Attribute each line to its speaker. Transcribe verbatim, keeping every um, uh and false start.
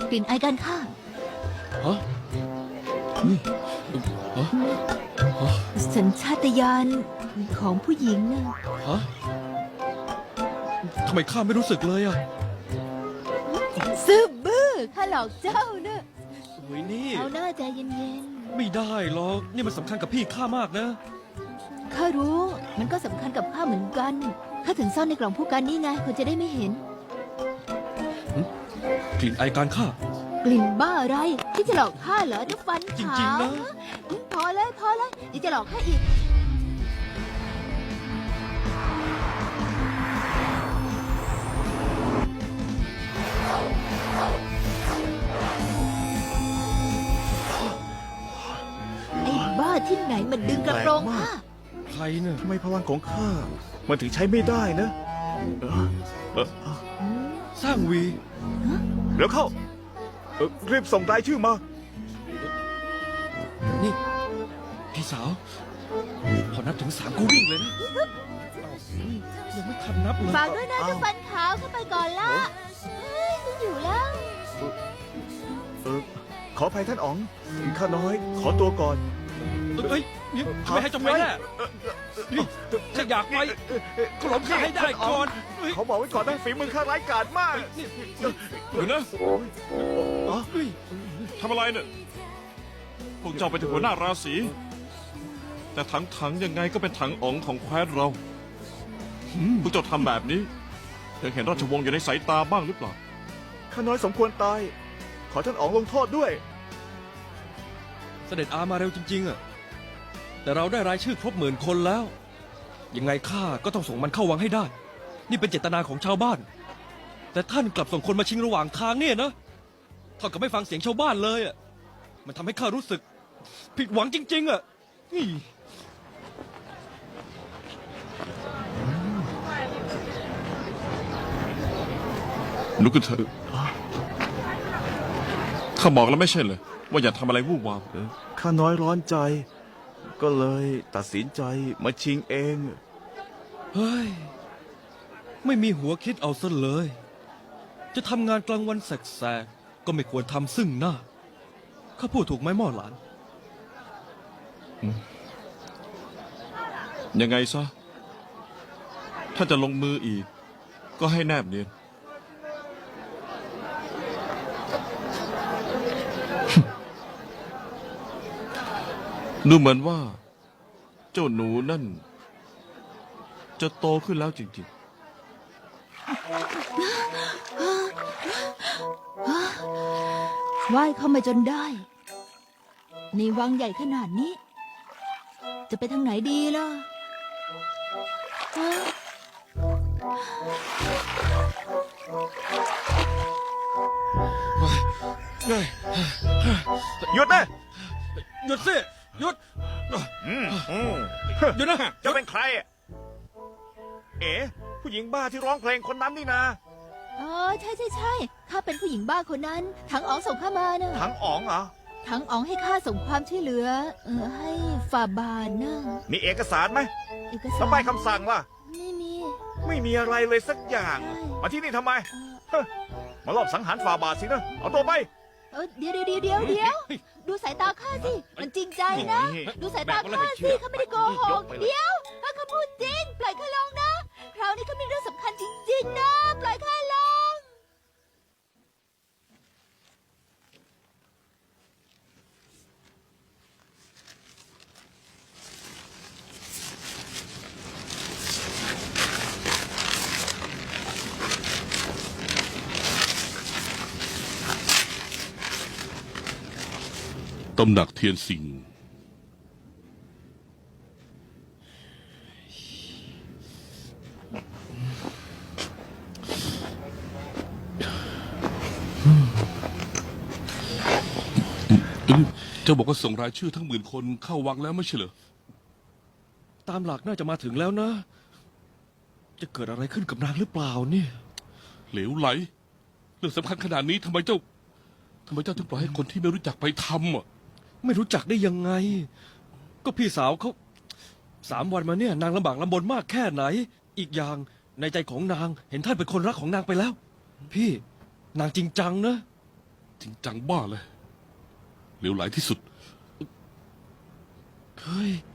Speaker 1: กลิ่นไอายการฆ่า
Speaker 2: ฮะอืมฮะฮะ
Speaker 1: สัญชาตญาณของผู้หญิงนะ
Speaker 2: ฮะทำไมข้าไม่รู้สึกเลยอ่ะ
Speaker 1: ซื่อบื้อข้าหลอกเจ้านะ
Speaker 2: โอ้ยนี่
Speaker 1: เอาหน้าใจเย็น
Speaker 2: ไม่ได้หรอกนี่มันสำคัญกับพี่ข้ามากนะ
Speaker 1: ๆข้ารู้ มันก็สำคัญกับข้าเหมือนกันข้าถึงซ่อนในกล่องผู้กันนี่ไงคนจะได้ไม่เห็น
Speaker 2: กลิ่นไอการฆ่าก
Speaker 1: ลิ่นบ้าอะไรที่จะหลอกข้าเหรอเจ้าฟัน
Speaker 2: จ
Speaker 1: ขาว
Speaker 2: ริงๆนะ
Speaker 1: พอเลยพอเลยยังจะหลอกข้าอีก ไอ้บ้าที่ไหนมันดึงกระโปรงข้า
Speaker 2: ใครเนี่ย
Speaker 3: ทำไมพลังของข้ามันถึงใช้ไม่ได้นะเออเออ
Speaker 2: สร้างวี
Speaker 3: เดี๋ยวเข้าเออรีบส่งรายชื่อมา
Speaker 2: นี่พี่สาว พอนับถึงสามกูวิ่งเลยนะยังไม่ทันนับเลย
Speaker 1: ฝากด้วยนะเจ้าฟันขาวเข้าไปก่อนละเฮ้ยฉันอยู่แล้ว
Speaker 3: เออขออภัยท่านอ๋องข้าน้อย ขอตัวก่อน
Speaker 2: เอ้ยนี่ทำไมให้จบไปแน่นี่ถ้าอยากไปก็หลบข้าให้ได้ก่อนเฮ้ย
Speaker 3: เขาบอกไว้ก่อนนะฝีมือข้าร้ายกาจมาก
Speaker 2: นี่
Speaker 4: เดี๋ยวนะ
Speaker 3: อ๋อ
Speaker 2: เฮ้ย
Speaker 4: ทำอะไรเนี่ยพวกเจ้าเป็นถึงหัวหน้าราศีแต่ถังถังๆยังไงก็เป็นถังอ๋องของแคว้นเราพวกเจ้าทำแบบนี้ยังเห็นราชวงศ์อยู่ในสายตาบ้างหรือเปล่า
Speaker 3: ข้าน้อยสมควรตาย ขอท่านอ๋องลงโทษด้วย
Speaker 2: เสด็จอามาเร็วจริงๆอะแต่เราได้รายชื่อครบหมื่นคนแล้ว ยังไงข้าก็ต้องส่งมันเข้าวังให้ได้ นี่เป็นเจตนาของชาวบ้าน แต่ท่านกลับส่งคนมาชิงระหว่างทางเนี่ยนะเท่ากับไม่ฟังเสียงชาวบ้านเลยอะมันทำให้ข้ารู้สึก ผิดหวังจริง ๆอะนี่
Speaker 4: ลุกขึ้นเถอะข้าบอกแล้วไม่ใช่เลยว่าอย่าทำอะไรวู่วาม
Speaker 3: ข้าน้อยร้อนใจ ก็เลยตัดสินใจมาชิงเอง
Speaker 2: เฮ้ย ไม่มีหัวคิดเอาซะเลย จะทำงานกลางวันแสกๆก็ไม่ควรทำซึ่งหน้า ข้าพูดถูกไหมหม่อหลาน
Speaker 4: ยังไงซะ ถ้าจะลงมืออีก ก็ให้แนบเนียน ดูเหมือนว่า เจ้าหนูนั่น จะโตขึ้นแล้วจริง
Speaker 1: ว่ายเข้ามาจนได้ ในวังใหญ่ขนาดนี้ จะไปทางไหนดีล่ะฮะ
Speaker 3: หยุดนะ
Speaker 2: หยุดสิหยุด
Speaker 3: อืมอืม
Speaker 2: หยุดนะ
Speaker 3: เจะเป็นใครอะเอ๋ผู้หญิงบ้าที่ร้องเพลงคนนั้นนี่นะ
Speaker 1: อ๋อใช่ใช่ใช่ข้าเป็นผู้หญิงบ้าคนนั้น ถังอ๋องส่งข้ามาเนอะ
Speaker 3: ทั้งอ๋องเหรอ
Speaker 1: ถังอ๋องให้ข้าส่งความช่วยเหลือ เออให้ฝ่าบาทนะ
Speaker 3: มีเอกสารไหม
Speaker 1: เอก
Speaker 3: แล้ว
Speaker 1: สาร
Speaker 3: ใบคำสั่งล่ะ
Speaker 1: ไม่มี
Speaker 3: ไม่มีอะไรเลยสักอย่าง
Speaker 1: ใช่
Speaker 3: มาที่นี่ทำไม
Speaker 1: เออ
Speaker 3: เฮ้ยมาลอบสังหารฝ่าบาทสินะ เอาตัวไป
Speaker 1: เออเดี๋ยวเดี๋ยวเดี๋ยวเดี๋ยวดูสายตาข้าสิ มันจริงใจนะ ดูสายตาข้าสิข้าไม่ได้โกหก เดี๋ยวถ้าข้าพูดจริง ปล่อยข้าลงนะ คราวนี้ข้ามีเรื่องสำคัญจริง ๆ นะ ปล่อยข้าลง
Speaker 4: ๆ ตำหนักเทียนสิงห์ เจ้าบอกว่าส่งรายชื่อทั้งหมื่นคนเข้าวังแล้วไม่ใช่เหรอ
Speaker 2: ตามหลักน่าจะมาถึงแล้วนะ จะเกิดอะไรขึ้นกับนางหรือเปล่าเนี่ย
Speaker 4: เหลวไหล เรื่องสำคัญขนาดนี้ทำไมเจ้าทำไมเจ้าถึงปล่อยให้คนที่ไม่รู้จักไปทำอ่ะ
Speaker 2: ไม่รู้จักได้ยังไง ก็พี่สาวเขาสามวันมาเนี่ย นางลำบากลำบนมากแค่ไหน อีกอย่างในใจของนางเห็นท่านเป็นคนรักของนางไปแล้ว พี่นางจริงจังนะ
Speaker 5: จริงจังบ้าเลยเหลวไหลที่สุด
Speaker 2: เฮ้ย